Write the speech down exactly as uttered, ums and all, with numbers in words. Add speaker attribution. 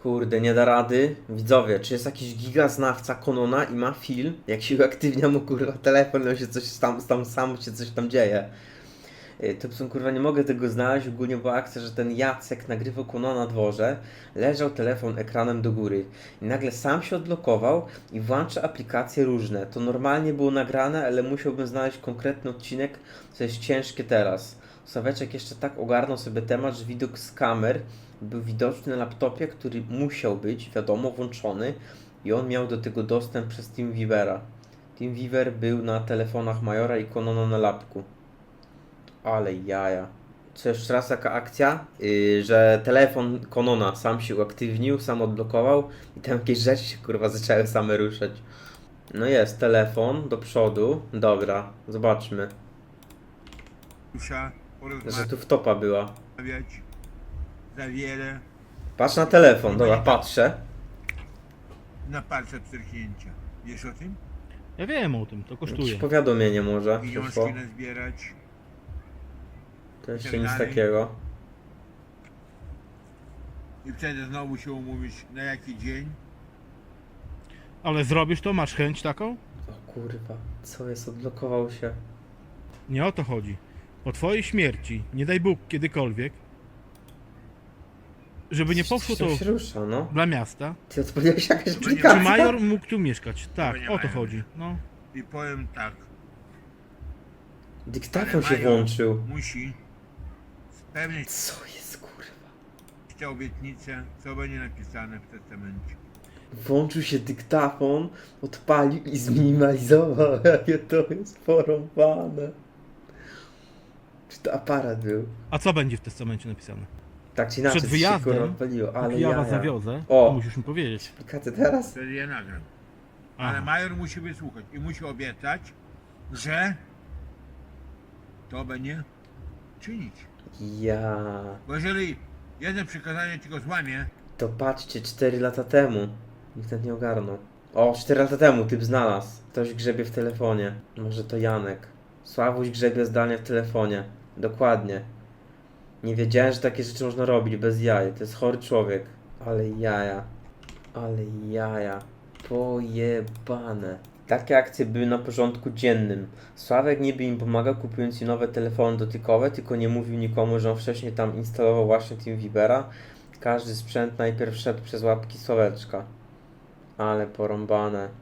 Speaker 1: Kurde, nie da rady. Widzowie, czy jest jakiś gigaznawca Konona i ma film, jak się uaktywnia mu kurwa telefon, on się coś tam, tam sam się coś tam dzieje. Yy, To są kurwa, nie mogę tego znaleźć. Ogólnie była akcja, że ten Jacek nagrywał Konona na dworze, leżał telefon ekranem do góry i nagle sam się odblokował i włącza aplikacje różne. To normalnie było nagrane, ale musiałbym znaleźć konkretny odcinek, co jest ciężkie teraz. Sławeczek jeszcze tak ogarnął sobie temat, że widok z kamer był widoczny na laptopie, który musiał być, wiadomo, włączony i on miał do tego dostęp przez TeamViewera. TeamViewer był na telefonach Majora i Konona na lapku. Ale jaja. Co jeszcze raz taka akcja, yy, że telefon Konona sam się uaktywnił, sam odblokował i tam jakieś rzeczy się kurwa zaczęły same ruszać. No jest, telefon do przodu. Dobra, zobaczmy.
Speaker 2: Muszę
Speaker 1: Że tu wtopa była.
Speaker 2: porozmawiać za wiele
Speaker 1: Patrz na telefon, dobra, patrzę.
Speaker 2: na palce pstryknięcia. Wiesz o tym?
Speaker 3: Ja wiem o tym, to
Speaker 1: Jakieś
Speaker 3: kosztuje.
Speaker 1: powiadomienie może przyszło.
Speaker 2: Pieniążki nazbierać.
Speaker 1: To jeszcze nic takiego.
Speaker 2: I wtedy znowu się umówić na jaki dzień.
Speaker 3: Ale zrobisz to? Masz chęć taką?
Speaker 1: O kurwa, co jest? Odblokował się.
Speaker 3: Nie o to chodzi. Po twojej śmierci, nie daj Bóg kiedykolwiek, żeby nie poszło to
Speaker 1: Coś się rusza, no.
Speaker 3: dla miasta,
Speaker 1: Ty odpaliłeś jakaś
Speaker 2: nie
Speaker 3: czy
Speaker 1: aplikacja?
Speaker 3: major mógł tu mieszkać. Tak,
Speaker 2: nie
Speaker 3: o to
Speaker 2: mają.
Speaker 3: chodzi. No.
Speaker 2: I powiem tak.
Speaker 1: Dyktafon się
Speaker 2: Major
Speaker 1: włączył.
Speaker 2: musi spełnić
Speaker 1: Co jest kurwa?
Speaker 2: tę obietnicę, co będzie napisane w testamencie.
Speaker 1: Włączył się dyktafon, odpalił i zminimalizował. Jakie to jest porąbane. Czy to aparat był?
Speaker 3: A co będzie w testamencie napisane?
Speaker 1: Tak czy inaczej,
Speaker 3: Przed
Speaker 1: coś się kurwa
Speaker 3: wyjazdem,
Speaker 1: odpaliło, ale
Speaker 3: Jak ja was
Speaker 1: jaja.
Speaker 3: zawiozę,
Speaker 1: O.
Speaker 3: to musisz mi powiedzieć.
Speaker 1: Aplikację teraz?
Speaker 2: Wtedy je nagram.
Speaker 3: Aha.
Speaker 2: Ale major musi wysłuchać i musi obiecać, że to będzie czynić.
Speaker 1: Ja.
Speaker 2: Bo jeżeli jedno przykazanie tylko złamie,
Speaker 1: To patrzcie, cztery lata temu. Nikt nawet nie ogarnął. O, cztery lata temu typ znalazł. Ktoś grzebie w telefonie. Może to Janek. Sławuś grzebie zdalnie w telefonie. Dokładnie. Nie wiedziałem, że takie rzeczy można robić bez jaj. To jest chory człowiek. Ale jaja. Ale jaja. Pojebane. Takie akcje były na porządku dziennym. Sławek niby im pomagał, kupując im nowe telefony dotykowe, tylko nie mówił nikomu, że on wcześniej tam instalował właśnie TeamViewera. Każdy sprzęt najpierw szedł przez łapki Sławeczka. Ale porąbane.